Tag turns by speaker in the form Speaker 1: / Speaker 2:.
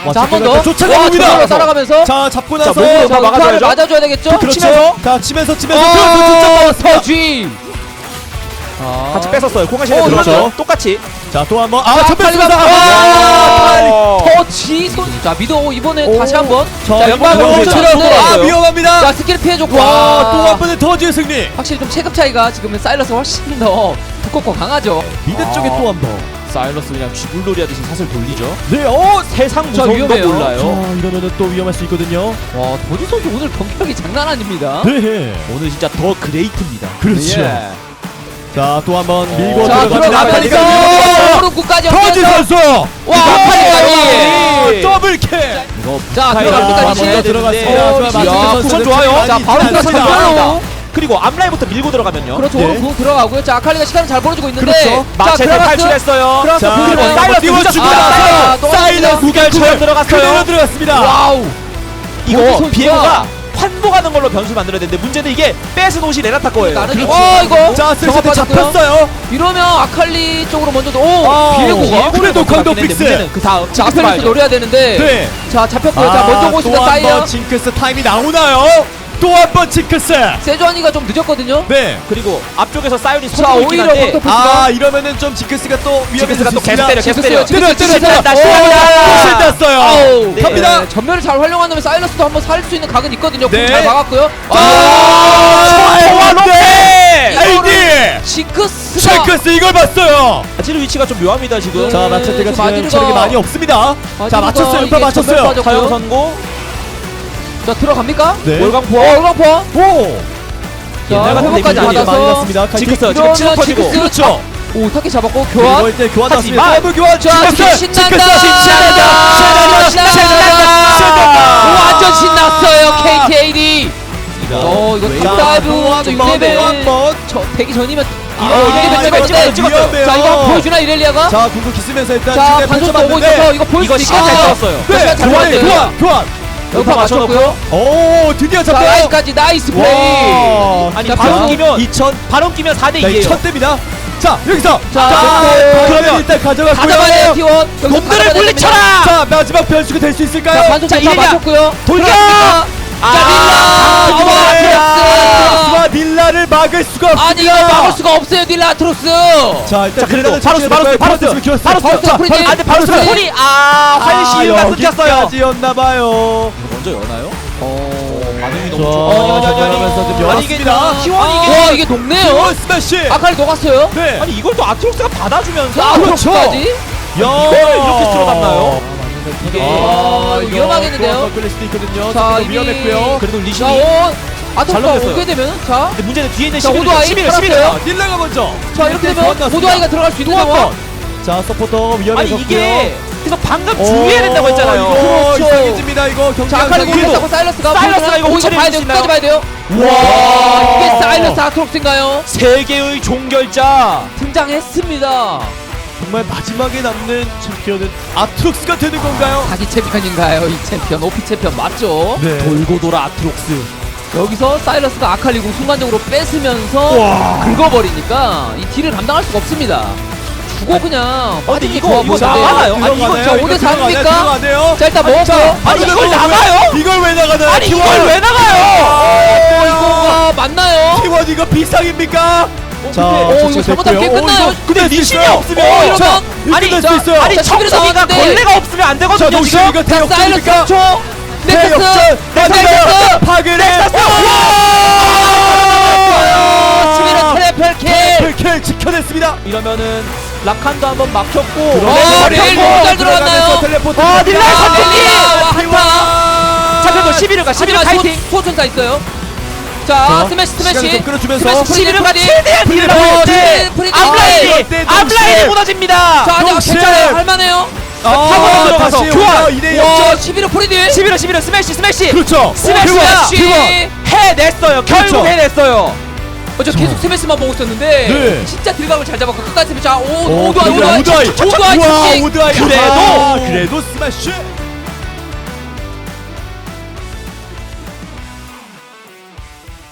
Speaker 1: 자, 한 번 더.
Speaker 2: 쫓아갑니다.
Speaker 1: 따라가면서.
Speaker 2: 자, 잡고 나서
Speaker 1: 자, 막아줘야죠. 맞아줘야 되겠죠?
Speaker 2: 그렇죠. 자, 치면서
Speaker 1: 서쥐.
Speaker 3: 같이 뺏었어요. 공간시에 들어갔죠.
Speaker 1: 이거죠.
Speaker 3: 똑같이.
Speaker 2: 자, 또 한번
Speaker 1: 터치 손. 자, 미도 이번에 다시 한번.
Speaker 2: 자,
Speaker 1: 연방으로 들어갔어요.
Speaker 2: 위험합니다.
Speaker 1: 자, 스킬 피해줬고.
Speaker 2: 와, 또 한 번의 터지의 승리.
Speaker 1: 확실히 좀 체급 차이가 지금은 사일러스가 훨씬 더 두껍고 강하죠.
Speaker 2: 미드 쪽에 또 한 번.
Speaker 3: 사일러스 그냥 쥐불놀이 하듯이 사슬 돌리죠.
Speaker 2: 네,
Speaker 3: 세상 무서운 거
Speaker 1: 위험해요.
Speaker 3: 몰라요.
Speaker 2: 자, 이러면은 또 위험할 수 있거든요.
Speaker 1: 와, 도지 선수 오늘 경기력이 장난 아닙니다.
Speaker 2: 네.
Speaker 3: 오늘 진짜 더 그레이트입니다.
Speaker 2: 그렇죠.
Speaker 3: 예.
Speaker 2: 자, 또 한 번 밀고
Speaker 1: 자,
Speaker 2: 들어갑니다.
Speaker 1: 오른구까지
Speaker 2: 터지 선수.
Speaker 1: 와, 아칼리까지.
Speaker 2: 더블 킬.
Speaker 1: 자,
Speaker 2: 들어갑니다. 들어갔습니다.
Speaker 3: 쿠션 좋아요.
Speaker 1: 자, 바로
Speaker 3: 들어갑니다. 그리고 앞라인부터 밀고 들어가면요.
Speaker 1: 그렇죠.
Speaker 2: 네.
Speaker 1: 오른 들어가고요. 자, 아칼리가 시간을 잘 벌어주고 있는데.
Speaker 2: 그렇죠.
Speaker 3: 마체테 탈출했어요.
Speaker 2: 자,
Speaker 3: 그리고 사일러스
Speaker 2: 띄워줍니다.
Speaker 1: 사일러스
Speaker 3: 무결처럼 들어갔어요.
Speaker 2: 그대로 들어갔습니다.
Speaker 1: 와우.
Speaker 3: 이거 비에고가 환복하는 걸로 변수 만들어야 되는데 문제는 이게 뺏은 옷이 레나타 거예요.
Speaker 1: 나는 이거.
Speaker 2: 자, 슬슬 잡혔어요.
Speaker 1: 이러면 아칼리 쪽으로 먼저
Speaker 2: 비에고가 그래도 강도 픽스.
Speaker 3: 문제는 그 다음
Speaker 1: 자, 아칼리스 노려야 되는데.
Speaker 2: 네.
Speaker 1: 자, 잡혔고요. 자, 먼저 오고 있습니다. 사이어.
Speaker 2: 또한번 징크스 타임이 나오나요? 또 한 번 징크스.
Speaker 1: 세주안이가 좀 늦었거든요.
Speaker 2: 네.
Speaker 3: 그리고 앞쪽에서 사이온이
Speaker 1: 자,
Speaker 3: 서고 있긴
Speaker 1: 오히려
Speaker 3: 한데
Speaker 1: 덕터프스가
Speaker 2: 이러면은 좀 징크스가 또
Speaker 3: 징크스가 또 계속 때려 계속
Speaker 1: 징크스요,
Speaker 3: 때려.
Speaker 1: 징크스
Speaker 3: 신난다
Speaker 2: 신난다.
Speaker 3: 신난다.
Speaker 2: 아우,
Speaker 3: 네.
Speaker 2: 갑니다.
Speaker 1: 네, 전면을 잘 활용한다면 사일러스도 한번 살릴 수 있는 각은 있거든요.
Speaker 2: 네.
Speaker 1: 잘 막았고요.
Speaker 2: AD
Speaker 1: 징크스가
Speaker 2: 징크스 이걸 봤어요.
Speaker 3: 아지르 위치가 좀 묘합니다 지금.
Speaker 2: 자, 마체테가 지금
Speaker 1: 마지르가-
Speaker 2: 체력이 많이 없습니다. 자, 맞췄어요. 연파 맞췄어요.
Speaker 3: 사용 선고.
Speaker 1: 자, 들어갑니까?
Speaker 2: 네.
Speaker 3: 월광포.
Speaker 1: 올광포.
Speaker 2: 오.
Speaker 1: 자,
Speaker 3: 같은
Speaker 1: 호흡까지
Speaker 3: 데미지
Speaker 1: 받아서.
Speaker 2: 많이 났습니다.
Speaker 3: 징크스 지금
Speaker 1: 이러면
Speaker 3: 치고 터지고.
Speaker 1: 징크스.
Speaker 2: 그렇죠.
Speaker 1: 오, 타키 잡았고
Speaker 2: 그리고
Speaker 1: 교환.
Speaker 2: 이제 교환
Speaker 3: 하지만-
Speaker 2: 났습니다. 더블 교환.
Speaker 1: 자,
Speaker 2: 징크스.
Speaker 1: 신난다.
Speaker 2: 신난다.
Speaker 1: 오, 완전 신났어요. KTAD. 이거 탑다이브
Speaker 2: 한번.
Speaker 1: 되기 전이면
Speaker 2: 위험해요.
Speaker 1: 자, 이거 보여주나 이렐리아가?
Speaker 2: 자, 궁극기 쓰면서 일단
Speaker 1: 자,
Speaker 2: 지금
Speaker 1: 반속도 오고
Speaker 2: 펼쳐봤는데
Speaker 1: 있어서 이거 보일
Speaker 3: 이거
Speaker 1: 수
Speaker 3: 시간 잘
Speaker 1: 있겠네요.
Speaker 3: 썼어요.
Speaker 2: 네,
Speaker 1: 시간 잘
Speaker 2: 교환,
Speaker 1: 벌었네요.
Speaker 2: 교환.
Speaker 1: 여기서 맞췄고요.
Speaker 2: 오, 드디어
Speaker 1: 자,
Speaker 2: 잡혀요.
Speaker 1: 라인까지 나이스 플레이.
Speaker 2: 와.
Speaker 3: 아니
Speaker 1: 자,
Speaker 3: 바로
Speaker 1: 자,
Speaker 3: 끼면
Speaker 2: 2000.
Speaker 3: 바로 끼면 4대
Speaker 2: 자,
Speaker 3: 2예요.
Speaker 2: 1000대입니다. 자, 여기서.
Speaker 1: 자,
Speaker 2: 그러면 일단 가져갔고요.
Speaker 1: 가져가야 돼요, T1. 여기서
Speaker 3: 놈들을
Speaker 1: 가져가야
Speaker 3: 물리쳐라!
Speaker 1: 됩니다.
Speaker 2: 자, 마지막 변수가 될 수
Speaker 1: 자,
Speaker 2: 있을까요?
Speaker 1: 반속
Speaker 3: 자,
Speaker 1: 자,
Speaker 3: 이렐리아.
Speaker 1: 맞췄고요.
Speaker 3: 돌려!
Speaker 1: 자, 딜라.
Speaker 2: 와, 딜라를 막을 수가 없습니다.
Speaker 1: 아니, 이거 막을 수가 없어요, 딜라 아트로스.
Speaker 2: 자, 일단
Speaker 3: 그래도
Speaker 2: 바로스
Speaker 1: 바로스 프리딜.
Speaker 3: 안돼 바로
Speaker 1: 프리딜.
Speaker 3: 소리 환시유가 끊겼어요.
Speaker 2: 여기까지였나봐요.
Speaker 3: 먼저 여나요? 반응이
Speaker 2: 자,
Speaker 3: 너무 좋아.
Speaker 2: 그러면서 좀
Speaker 3: 아니,
Speaker 2: 열었습니다.
Speaker 3: T1
Speaker 1: 와, 이게 녹네요.
Speaker 2: 스매시.
Speaker 1: 아칼리 녹았어요.
Speaker 2: 네.
Speaker 3: 아니 이걸 또 아트록스가 받아주면서
Speaker 1: 자, 아트로스까지.
Speaker 2: 이걸
Speaker 3: 이렇게 쓸어담나요?
Speaker 1: 이게 위험하겠는데요.
Speaker 2: 끌릴 수도 있거든요.
Speaker 1: 자,
Speaker 2: 자,
Speaker 1: 이미-
Speaker 2: 위험했고요.
Speaker 3: 그래도
Speaker 1: 자,
Speaker 3: 리신이
Speaker 1: 아트로스가
Speaker 3: 넘겼어요.
Speaker 1: 오게 되면 자,
Speaker 3: 근데 문제는 뒤에 있는
Speaker 1: 자,
Speaker 3: 11을
Speaker 1: 오도아이
Speaker 3: 11을
Speaker 1: 살았어요.
Speaker 2: 딜라가 먼저.
Speaker 1: 자, 이렇게 되면
Speaker 2: 건넜습니다.
Speaker 1: 모두아이가 들어갈 수 있는 상황.
Speaker 2: 자, 서포터
Speaker 3: 아니
Speaker 2: 위험해졌고요.
Speaker 3: 이게 그래서 방금 주의해야 된다고 했잖아요.
Speaker 2: 이거
Speaker 1: 그렇죠.
Speaker 2: 이상해집니다. 이거 경기
Speaker 1: 자, 아칼리 공격하고 사일러스가
Speaker 3: 사일러스가 이거
Speaker 1: 이거
Speaker 3: 오차례
Speaker 1: 봐야 돼요.
Speaker 3: 주시나요?
Speaker 1: 끝까지 봐야 돼요. 와, 이게 사일러스 아트록스인가요?
Speaker 3: 세계의 종결자.
Speaker 1: 등장했습니다.
Speaker 2: 정말 마지막에 남는 챔피언은 아트록스가 되는 건가요?
Speaker 1: 자기 챔피언인가요? 이 챔피언, 오피 챔피언 맞죠?
Speaker 2: 네.
Speaker 3: 돌고 돌아 아트록스.
Speaker 1: 여기서 사일러스가 아칼리 공 순간적으로 뺏으면서
Speaker 2: 와.
Speaker 1: 긁어버리니까 이 딜을 감당할 수가 없습니다. 주고 그냥
Speaker 3: 근데
Speaker 1: 빠지기
Speaker 3: 이거
Speaker 1: 좋아
Speaker 3: 이거
Speaker 1: 보이는데.
Speaker 3: 나가나요? 아니 이거
Speaker 1: 자, 5대 4입니까?
Speaker 2: 들어가네요.
Speaker 1: 자, 일단 먹었고요.
Speaker 3: 아니 이걸 나가요?
Speaker 2: 이걸 왜 나가나요?
Speaker 3: 아니 이걸 왜 나가요?
Speaker 1: 이거가 맞나요?
Speaker 2: T1 이거 비상입니까?
Speaker 1: 오, 이거 잘못하면 게임 끝나요.
Speaker 3: 근데 리신이 없으면
Speaker 1: 이러면
Speaker 2: 자,
Speaker 3: 아니,
Speaker 2: 끝날
Speaker 1: 자,
Speaker 2: 수 있어요.
Speaker 3: 아니
Speaker 1: 자,
Speaker 3: 청소기가
Speaker 1: 있는데.
Speaker 3: 걸레가 없으면 안
Speaker 2: 자,
Speaker 3: 되거든요
Speaker 2: 노시
Speaker 3: 지금.
Speaker 2: 이거
Speaker 1: 자, 사일러스
Speaker 2: 대역전입니까?
Speaker 1: 3초. 넥서스.
Speaker 2: 대역전 파괴를
Speaker 1: 11호 트래플 킬.
Speaker 2: 킬 지켜냈습니다.
Speaker 3: 이러면은 라칸도 한번 막혔고.
Speaker 1: 레일 너무 잘 들어갔나요?
Speaker 2: 텔레포트.
Speaker 3: 딜라이
Speaker 1: 아,
Speaker 3: 선택이!
Speaker 1: 와, 한타.
Speaker 3: 자 그래도 11을 가 11을 파이팅.
Speaker 1: 소천사 있어요. 자, 스매시
Speaker 2: 시간을 좀 끌어주면서
Speaker 1: 스매시 프리딜
Speaker 3: 11을 가
Speaker 1: 프리딜.
Speaker 3: 최대한 딜을
Speaker 1: 프리딜, 프리딜.
Speaker 3: 앞라인이 무너집니다.
Speaker 1: 자, 아직
Speaker 2: 동시에.
Speaker 1: 괜찮아요. 할만해요.
Speaker 3: 타고 들어가서 교환.
Speaker 2: 2대
Speaker 1: 와,
Speaker 2: 0.
Speaker 1: 11호 프리딜.
Speaker 3: 11을 스매시.
Speaker 2: 그렇죠.
Speaker 3: 스매시가
Speaker 1: 스매시.
Speaker 3: 해냈어요. 결국
Speaker 2: 그렇죠.
Speaker 3: 해냈어요.
Speaker 1: 저 계속 스매시만 보고 있었는데
Speaker 2: 네.
Speaker 1: 진짜 딜각을 잘 잡았고 끝까지 스매시. 자,
Speaker 2: 오드아이.
Speaker 1: 오드아이
Speaker 2: 와,
Speaker 1: 킥.
Speaker 2: 오드아이.
Speaker 3: 그래도
Speaker 2: 그래도 스매시.